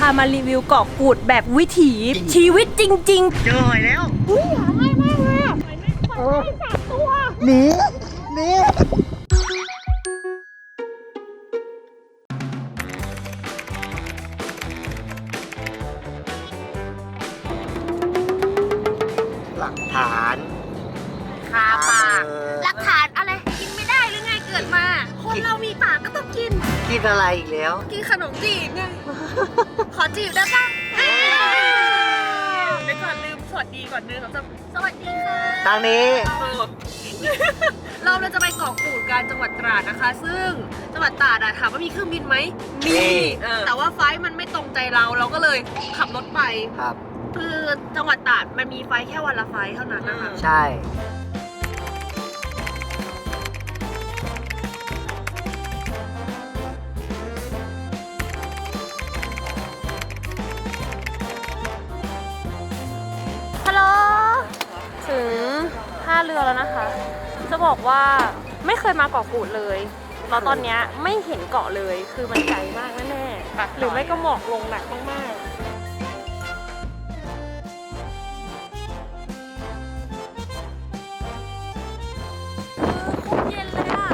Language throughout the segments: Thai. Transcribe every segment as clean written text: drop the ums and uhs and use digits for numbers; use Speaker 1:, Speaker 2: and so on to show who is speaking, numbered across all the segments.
Speaker 1: พามารีวิวเกาะกูดแบบวิถีชีวิตจริงๆ
Speaker 2: เจอหอยแล้ว
Speaker 1: อุ้ยหาง่ายมากเลยอ่ะหอยแม่ง3 ตัว
Speaker 2: หนีหลักฐาน
Speaker 1: คาปากหลักฐานอะไรกินไม่ได้หรือไงเกิดมาคนเรามีปากก็ต้องกิน
Speaker 2: กินอะไรอีกแล้ว
Speaker 1: กินขนมจีบไงขอจีบได้ปะเดี๋ยวก่อนลืมสวัสดีก่อนนึงสวัสดีค่ะ
Speaker 2: ทางนี้
Speaker 1: เราจะไปเกาะกูดกันจังหวัดตราดนะคะซึ่งจังหวัดตราดถามว่ามีเครื่องบินไหมมีแต่ว่าไฟล์มันไม่ตรงใจเราก็เลยขับรถไป
Speaker 2: ครับ
Speaker 1: คือจังหวัดตราดมันมีไฟล์แค่วันละไฟล์เท่านั้นนะคะ
Speaker 2: ใช่
Speaker 1: ฮัลโหลถึงท่าเรือแล้วนะคะจะบอกว่าไม่เคยมาเกาะกูดเลยแล้วตอนนี้ไม่เห็นเกาะเลยคือมันไกลมากแน่ๆหรือไม่ก็หมอกลงหนักมากๆเย็นเลยอ่ะ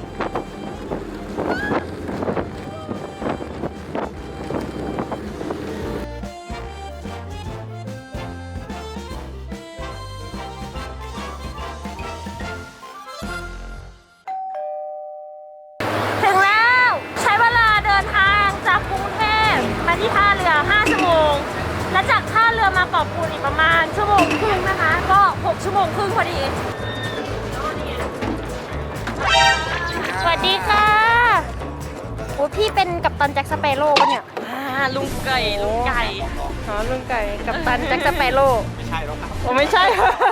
Speaker 1: ถึงแล้วใช้เวลาเดินทางจากกรุงเทพมาที่ท่าเรือ5 ชั่วโมงและจากท่าเรือมาเกาะกูดอีกประมาณ1 ชั่วโมงครึ่งนะคะก็6 ชั่วโมงครึ่งพอดีสวัสดีค่ะโอ้พี่เป็นกัปตันแจ็คสเปโร่ปะเนี่ยลุงไก่อ๋อลุงไก่กัปตันแจ็คสเปโร่ไม่ใช่หรอกครับโอ้ไม่ใช่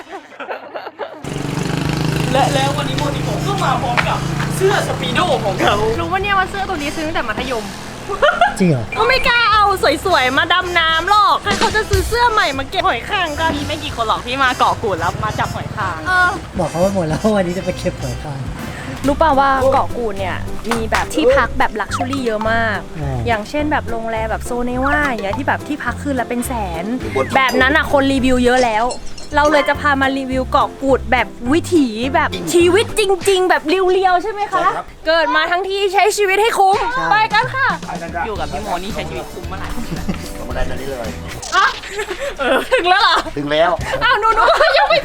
Speaker 3: แล้ววันนี้ผมก็มาพร้อมกับเสื้อสปีโดของเขา
Speaker 1: รู้ว่าเนี่ยว่าเสื้อตัวนี้ซื้อตั้งแต่มัธยม
Speaker 2: จริงเหรอ
Speaker 1: ก็ไม่กล้าเอาสวยๆมาดำน้ำหรอกใครเขาจะซื้อเสื้อใหม่มาเก็บหอยคางกัน
Speaker 3: มีไม่กี่คนหรอกที่มาเกาะกูดแล้วมาจับหอยคาง
Speaker 2: บอกเขาไปหมดแล้ววันนี้จะไปเก็บหอยคาง
Speaker 1: รู้ป่าวว่าเกาะกูดเนี่ยมีแบบที่พักแบบลักชัวรี่เยอะมากอย่างเช่นแบบโรงแรมแบบโซเนว่าอย่างเงี้ยที่แบบที่พักคืนละเป็นแสนแบบนั้นอ่ะคนรีวิวเยอะแล้วเราเลยจะพามารีวิวเกาะกูดแบบวิถีแบบชีวิตจริงๆแบบเรียวๆใช่ไหมคะเกิดมาทั้งทีใช้ชีวิตให้คุ้มไปกันค่ะ
Speaker 3: อยู่กับพี่โมนี่ใช้ชีวิตคุ้มเมื่อไหร่
Speaker 2: ลงมาได้ตอนนี้เลย
Speaker 1: ถึงแล้วเหรอ
Speaker 2: ถึงแล้ว
Speaker 1: อ้าวหนูยังไม่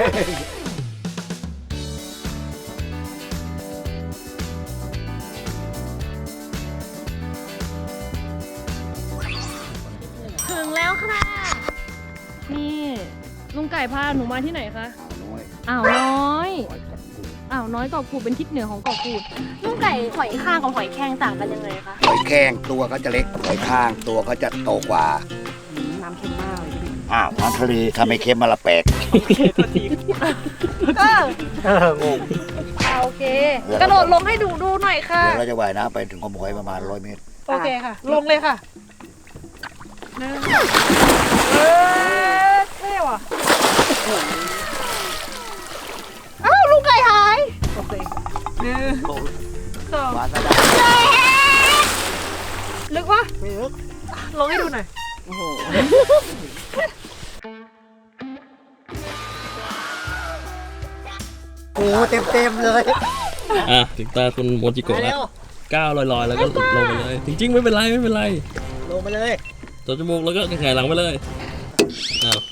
Speaker 1: ถึงแล้วค่ะนี่ลุงไก่พาหนูมาที่ไหนคะอ่าวน้อยอ่าวน้อยเกาะกูดเป็นทิศเหนือของเกาะกูดลุงไก่หอยข้างกับหอยแครงต่างกันยังไงคะ
Speaker 2: หอยแครงตัวก็จะเล็กหอยข้างตัวก็จะโตกว่า
Speaker 1: น้ำเค็มมากเลย
Speaker 2: อ้าวน้ำทะเลถ้าไม่เค็มมาละแปลก
Speaker 3: โอเคตัวที
Speaker 2: งง
Speaker 1: โอเคกระโดดลงให้ดูหน่อยค่ะ
Speaker 2: เดี๋ยวเราจะว่ายน้ำไปถึงขมหอยประมาณ100 เมตร
Speaker 1: โอเคค่ะลงเลยค่ะเท่ว่ะอ้าวลุงไก่หายโอเค
Speaker 2: หวานซะ
Speaker 1: ได้ลึกวะ
Speaker 2: ไม่ลึก
Speaker 1: ลงให้ดูหน่อยโอ้โห
Speaker 2: โอ้เต็มเลย
Speaker 3: ถึงตาคุณโมจิโกะแล้วก้าวลอยๆแล้วก็ลงไปเลยจริงๆไม่เป็นไร
Speaker 2: ลงไปเลย
Speaker 3: ตัวจมูกแล้วก็หงายหลังไปเลยอ้าว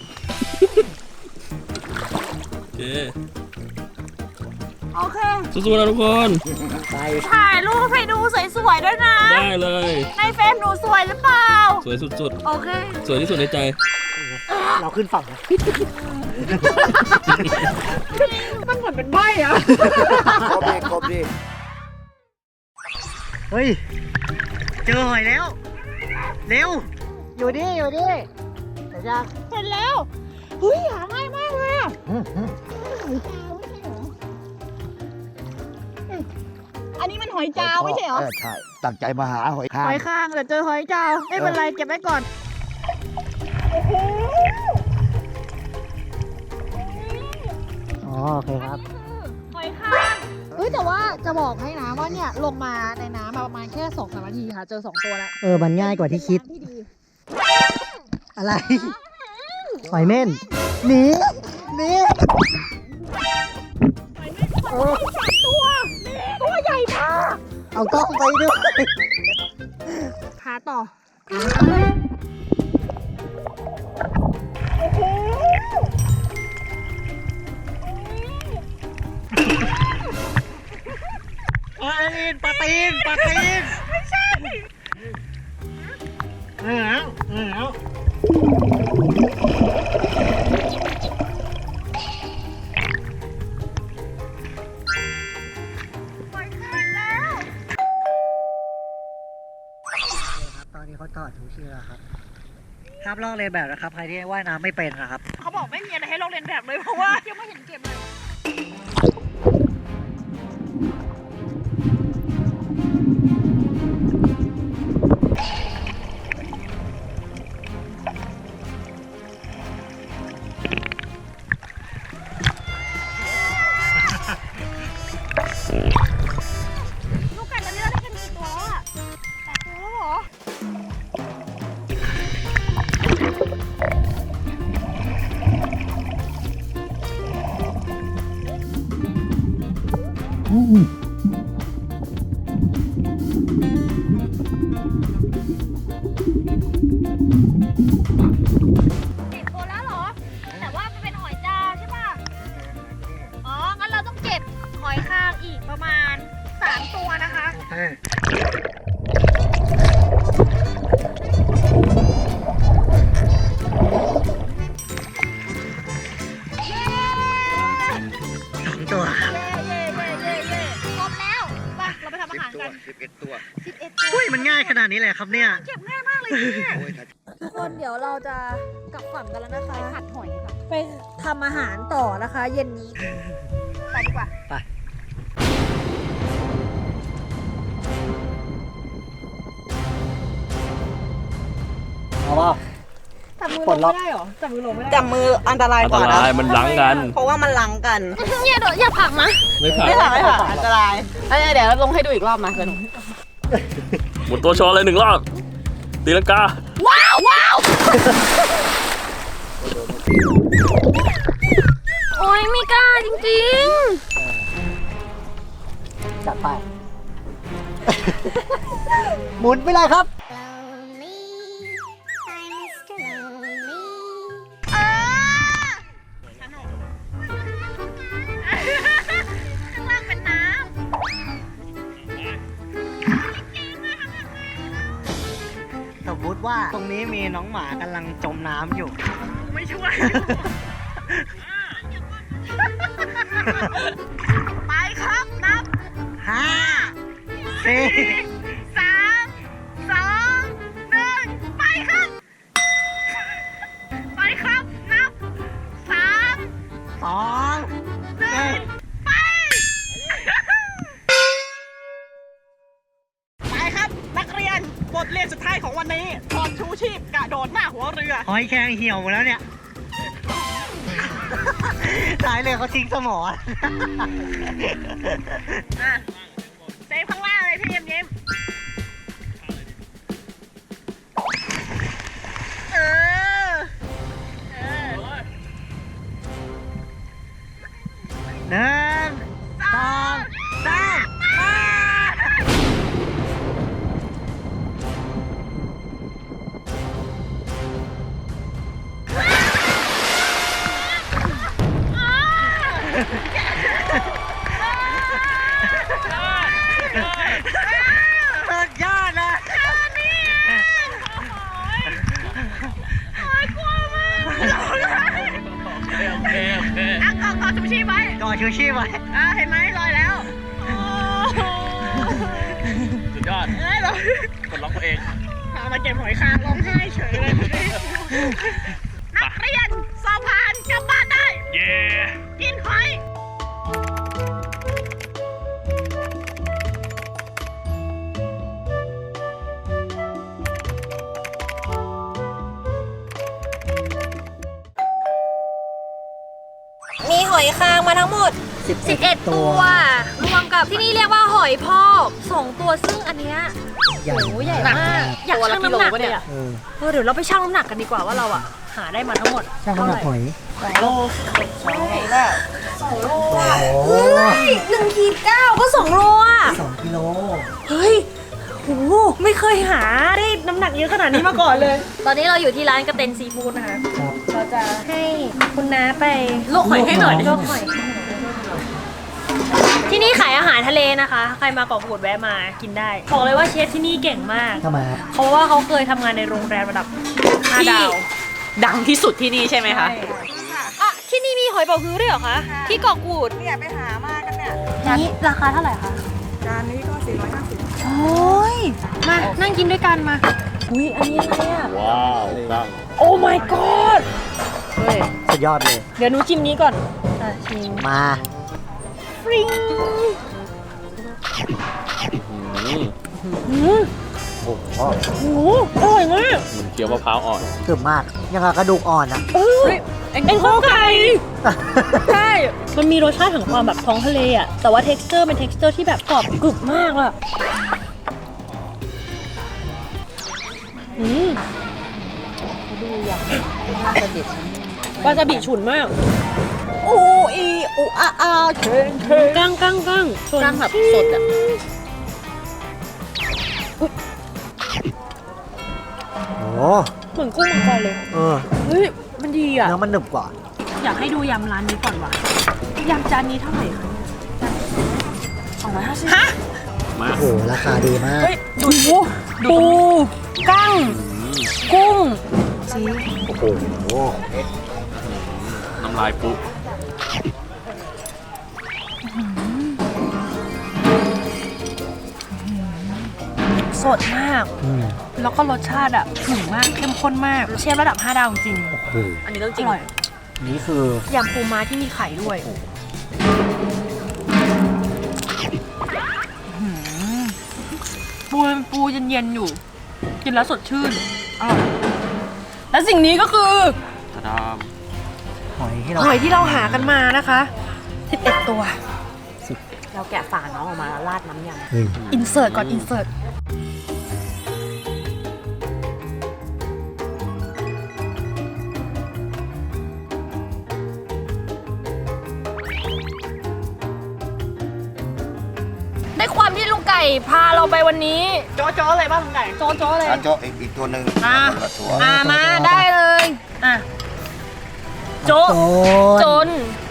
Speaker 1: โอเค
Speaker 3: สู้ๆนะทุกคน
Speaker 1: ถ่ายรูปให้ดูสวยๆด้วยนะ
Speaker 3: ได้เลย
Speaker 1: ในเฟซหนูสวยหรือเปล่า
Speaker 3: สวยสุด
Speaker 1: ๆโอเค
Speaker 3: สวยที่สุดในใจ
Speaker 2: เราขึ้นฝั่งนะ
Speaker 1: มันเหมือนเป็นใบ้อะ
Speaker 2: ครบดิเฮ้ยเจอหอยแล้วเร็วอยู่ดิเดี๋ยวจะ
Speaker 1: เห็นแล้วเฮ้ยหาง่ายมากเลยอะอันนี้มันหอยจาวไม่ใช่เหรอ
Speaker 2: ใช่ตั้งใจมาหาหอย
Speaker 1: ข้างแต่เจอหอยจาวไม่เป็นไรเก็บไว้ก่อน
Speaker 2: โอเคครับ
Speaker 1: หอยข้างแต่ว่าจะบอกให้นะว่าเนี่ยลงมาในน้ำมาประมาณแค่2-3 นาทีค่ะเจอ2 ตัวแล้ว
Speaker 2: มันง่ายกว่าที่คิดอะไรหอยเม่นหนีหนี
Speaker 1: ตัวใหญ่มาก
Speaker 2: เอากล้องไปด้วย
Speaker 1: หาต่อ
Speaker 2: ปลาตีนไม่ใช่ตอนนี้เขาถอดชูชีพแล้วครับห้ามลอกเลียนแบบนะครับใครที่ว่ายน้ำไม่เป็นนะครับ
Speaker 1: เขาบอกไม่มีอะไรให้ลอกเลียนแบบเลยเพราะว่ายังไม่เห็นเก็บเลยลูกไก่ตอนนี้เราได้กันกี่ตัวแล้วอะ8 ตัวแล้วเหรอ 10 ตัวแล้วเหรอ แต่ว่ามันเป็นหอยจาวใช่ป่ะ อ๋อ งั้นเราต้องเก็บหอยคางอีกประมาณ 3 ตัวนะคะ เย้
Speaker 2: 2 ตัว
Speaker 1: เย้ครบแล้วไปเราไปทำอาหารกัน
Speaker 4: 11 ตัว
Speaker 1: 11 ตัว
Speaker 2: อุ้ยมันง่ายขนาดนี้เลยครับเนี่ย
Speaker 1: เก็บง่ายมากเลยเนี่ย
Speaker 4: โอ้ยถ้า
Speaker 1: ทุกคนเดี๋ยวเราจะกลับฝั่งกันแล้วนะคะ ไปผัดหอยค่ะ ไปทำอาหารต่อนะคะ เย็นนี้ ไปดีกว่า
Speaker 2: ไป เอาเปล่า
Speaker 1: จับมือ
Speaker 2: ปล
Speaker 1: ล
Speaker 2: ด
Speaker 1: ง
Speaker 2: ล็อก
Speaker 1: ไม่ได้เหรอ จับมือลงไม่ได้
Speaker 5: จับมืออันตราย
Speaker 3: อัน
Speaker 5: ก
Speaker 3: ต
Speaker 5: ว่านะ
Speaker 3: รายมันลังกัน
Speaker 5: เพราะว่ามันลังกัน
Speaker 1: อย่าผลักนะ
Speaker 3: ไม่ผ่าน
Speaker 5: ไม่ผ่านไม่ผ่านอันตรายเดี๋ยวลงให้ดูอีกรอบมาสนุก
Speaker 3: หมุนตัวโชว์เลย1 รอบตีลังกา
Speaker 1: ว้าวโอ้ยไม่กล้าจริง
Speaker 2: จัดไป หมุนไปเลยครับ
Speaker 1: ข้างล่างเป็นน้
Speaker 2: สมมติว่าตรงนี้มีน้องหมากำลังจมน้ำอยู่
Speaker 1: ำไม่ช่วย ไปครับนับ
Speaker 2: 5 4
Speaker 1: 3 2 1 ไปครับ ไปครับ นับ 3
Speaker 2: 2
Speaker 1: 1 ไป
Speaker 5: ไปครับ นักเรียนบทเรียนสุดท้ายของวันนี้ถอดชูชีพกระโดดหน้าหัวเรือ
Speaker 2: หอยแครงเหี่ยวหมดแล้วเนี่ยท้ายเรือเขาทิ้งสมอ
Speaker 1: เซฟข้างล่างเลยพี่ยิ้มเออ
Speaker 2: 1 2 3 สุดยอดเลย
Speaker 1: ก่อชูชีพไว้
Speaker 2: ก่อชูชีพไว้
Speaker 1: เห็นไหมลอยแล้ว
Speaker 3: สุดยอด
Speaker 1: เรา
Speaker 3: กดล็อกตัวเอง
Speaker 1: เอามาเก็บหอยคางร้องไห้เฉยเลย นักเรียนสอบผ่านกลับบ้านได้
Speaker 3: เย้
Speaker 1: กินหอย
Speaker 5: มีหอยคางมาทั้งหมด
Speaker 1: 11 ตัวรวมกับที่นี่เรียกว่าหอยพอก2ตัวซึ่งอันเนี้ย
Speaker 2: ใหญ่
Speaker 1: โอ้ใหญ่มากอยากชั่งน้ำหนักเลยอ่ะเดี๋ยวเราไปชั่งน้ำหนักกันดีกว่าว่าเราอ่ะหาได้มาทั้งหมด
Speaker 2: ช่างน้ำหนักหอย
Speaker 5: โลใช่แล้ว
Speaker 2: โอ้โห
Speaker 1: 1 ขีด 9 ก็ 2 โลอ่ะ
Speaker 2: 2 กิโล
Speaker 1: เฮ้ยโหไม่เคยหาได้น้ำหนักเยอะขนาดนี้มาก่อนเลย ตอนนี้เราอยู่ที่ร้านกระเต็นซีฟู้ดนะคะ
Speaker 2: ครับ
Speaker 1: เราจะให้คุณน้าไป
Speaker 5: ลวกหอยให้หน่อย
Speaker 1: ลวกหอยที่นี่ขายอาหารทะเลนะคะ ใครมาเกาะกูดแวะมากินได้บอกเลยว่าเชฟที่นี่เก่งมาก
Speaker 2: ทำไมครับ
Speaker 1: เพราะว่าเขาเคยทำงานในโรงแรมระดับ5 ดาว
Speaker 5: ดังที่สุดที่นี่ใช่ไหมคะ
Speaker 1: อ่ะที่นี่มีหอยเป๋าฮื้อด้วยเหรอคะ ที่เกาะกูด
Speaker 5: เนี่ยไปหามากันเนี่ย
Speaker 1: นี้ราคาเท่าไหร่คะ
Speaker 5: จานนี้ก็450
Speaker 1: โอ้ยมานั่งกินด้วยกันมาอุ้ยอันนี้อะไรอ่ะ
Speaker 3: ว้าวตั้ง
Speaker 1: โอ้ my god เฮ้ย
Speaker 2: สุดยอดเลย
Speaker 1: เดี๋ยวหนูชิมนี้ก่อนอ่ะชิม
Speaker 2: มา
Speaker 1: ฟริง
Speaker 3: อืม
Speaker 2: โอ้โห
Speaker 1: โอ้โหอร่อยมาก
Speaker 3: เหมือนเคี้ยวมะพร้าวอ่อน
Speaker 2: กรึบมาก ยังกับกระดูกอ่อนอ่ะ
Speaker 1: เอ็นข้าวไก่ ใช่ มันมีรสชาติของความแบบท้องทะเลอ่ะ แต่ว่า texture เป็น texture ที่แบบกรอบกรึบมากอ่ะดูอย่างวาซาบิฉุนมาก
Speaker 5: โอ้อีอูอาอาเชนเชน
Speaker 1: กั้งชน
Speaker 5: กั้งแบบสดอ่ะ
Speaker 2: โอ้
Speaker 1: เหมือนกุ้งมังกรเลย
Speaker 2: เออ
Speaker 1: เฮ้ย มันดีอ่ะ
Speaker 2: เนื้อมันหนึบกว่า
Speaker 1: อยากให้ดูยำร้านนี้ก่อนว่ะยำจานนี้เท่าไหร่คะ250ฮะ
Speaker 3: มา
Speaker 2: โอ้โห ราคาดีมาก
Speaker 1: เฮ้ยดูปูกั้ง กุ้ง
Speaker 2: โอ้โห
Speaker 3: น้ำลายปุ๊
Speaker 1: สดมาก
Speaker 2: อืม
Speaker 1: แล้วก็รสชาติอ่ะถึงมาก เข้มข้นมาก เชฟระดับ 5 ดาวจริง
Speaker 2: โอ้โห
Speaker 5: อันนี้ต้องจ
Speaker 1: อ
Speaker 5: ริง
Speaker 1: ร่อย
Speaker 2: นี่คือ
Speaker 1: ยำปูม้าที่มีไข่ด้วยปูเย็นๆอยู่ กินแล้วสดชื่นอร่อยและสิ่งนี้ก็คือ
Speaker 3: ตะดาม
Speaker 2: หอยที่เรา
Speaker 1: หอยที่เราหากันมานะคะ11 ตัว
Speaker 5: เราแกะฝาน้องออกมาแล้วราดน้ำยำ
Speaker 2: เฮ้ย
Speaker 1: อินเสิร์ตก่อนอินเสิร์ตในความที่ลุงไก่พาเราไปวันนี้
Speaker 5: โจ๊ะๆเลยป่ะลุงไก่
Speaker 1: โจ๊ะๆเลย
Speaker 4: อ่ะโจ๊ะอีกตัวหนึ่ง
Speaker 1: อ่ะ
Speaker 4: คนละตัว
Speaker 1: มาได้เลยอ่ะโจ๊ะ
Speaker 2: โจ
Speaker 1: จ
Speaker 2: น
Speaker 1: น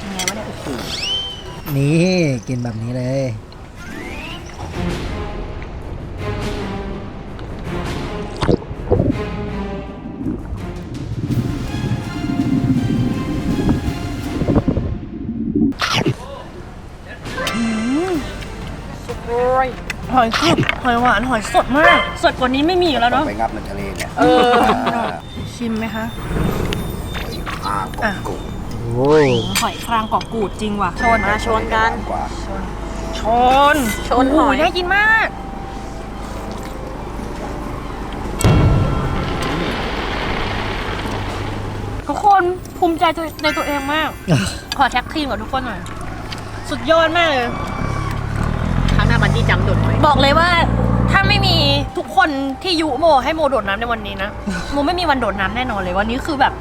Speaker 2: นี่กินแบบนี้เลย
Speaker 1: หอยกรึบหอยหวานหอยสดมาก สดกว่านี้ไม่มีอยู่แล้วเนาะ
Speaker 4: ไปงับในทะเลเนี่ย
Speaker 1: ชิมไหมคะ
Speaker 4: อ่ากบกุ้ง
Speaker 2: โอ้ย
Speaker 1: หอยครางเกาะกูดจริงว่ะ ชน
Speaker 5: มาชนกัน
Speaker 4: กว่า
Speaker 1: ชน
Speaker 5: ชนหอย
Speaker 1: น่ากินมาก ทุกคนภูมิใจในตัวเองมาก ขอแท็กทีมกับทุกคนหน่อย สุดยอดมากเลย
Speaker 5: ครั้งหน้าบันจี้จัมป์โดดหอย
Speaker 1: บอกเลยว่าถ้าไม่มีทุกคนที่ยุโมให้โมโดดน้ำในวันนี้นะ โมไม่มีวันโดดน้ำแน่นอนเลยวันนี้คือแบบ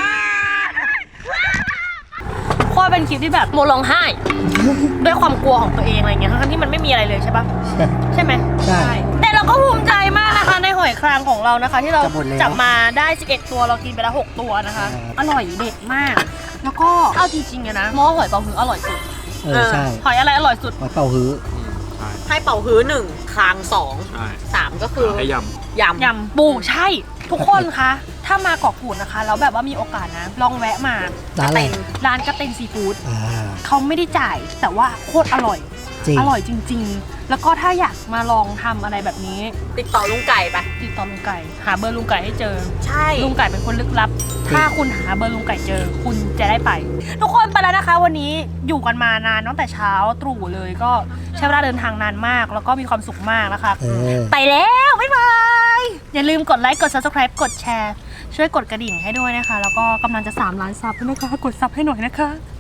Speaker 1: โคตรเป็นคลิปที่แบบโมร้องไห้ ด้วยความกลัวของตัวเองอะไรเงี้ยทั้งที่มันไม่มีอะไรเลยใช่ปะใช่ไหม
Speaker 2: ใช่
Speaker 1: แต่เราก็ภูมิใจมากนะคะในหอยครางของเรานะคะ ที่เรา
Speaker 2: จะหมดแล้ว
Speaker 1: จับมาได้ 11 ตัวเรากินไปแล้ว 6 ตัวนะคะ
Speaker 2: ครับ
Speaker 1: อร่อยเด็ดมาก แล้วก็เอาจริงๆอะนะมอหอยเป๋าฮื้ออร่อยสุด
Speaker 2: ใช่
Speaker 1: หอยอะไรอร่อยสุด
Speaker 2: หอยเป่าฮื้อ
Speaker 3: ใช่
Speaker 5: ให้เป่าฮื้อ1คาง
Speaker 3: ใช่
Speaker 5: 2 3ก็คือ
Speaker 3: ให้ย
Speaker 5: ยำ
Speaker 1: ยำปูใช่ ทุกคนคะ ถ้ามาเกาะกูดนะคะแล้วแบบว่ามีโอกาสนะ ลองแวะมา
Speaker 2: ร้านอะไร
Speaker 1: ร้านกระเต็นซีฟู้ด
Speaker 2: อ่า
Speaker 1: เขาไม่ได้จ่าย แต่ว่าโคตรอร่อย
Speaker 2: จริง
Speaker 1: อร่อยจริง ๆ แล้วก็ถ้าอยากมาลองทำอะไรแบบนี้
Speaker 5: ติดต่อลุงไก่ไป
Speaker 1: ติดต่อลุงไก่ หาเบอร์ลุงไก่ให้เจอ
Speaker 5: ใช่
Speaker 1: ลุงไก่เป็นคนลึกลับ ถ้าคุณหาเบอร์ลุงไก่เจอ คุณจะได้ไป ทุกคนไปแล้วนะคะ วันนี้อยู่กันมานานตั้งแต่เช้าตรู่เลย ก็ใช้เวลาเดินทางนานมาก แล้วก็มีความสุขมากนะคะ
Speaker 2: เออ
Speaker 1: ไปแล้ว บ๊ายบาย อย่าลืมกดไลค์ กด subscribe กดแชร์ ช่วยกดกระดิ่งให้ด้วยนะคะ แล้วก็กำลังจะ3 ล้านซับแล้วนะคะ กดซับให้หน่อยนะคะ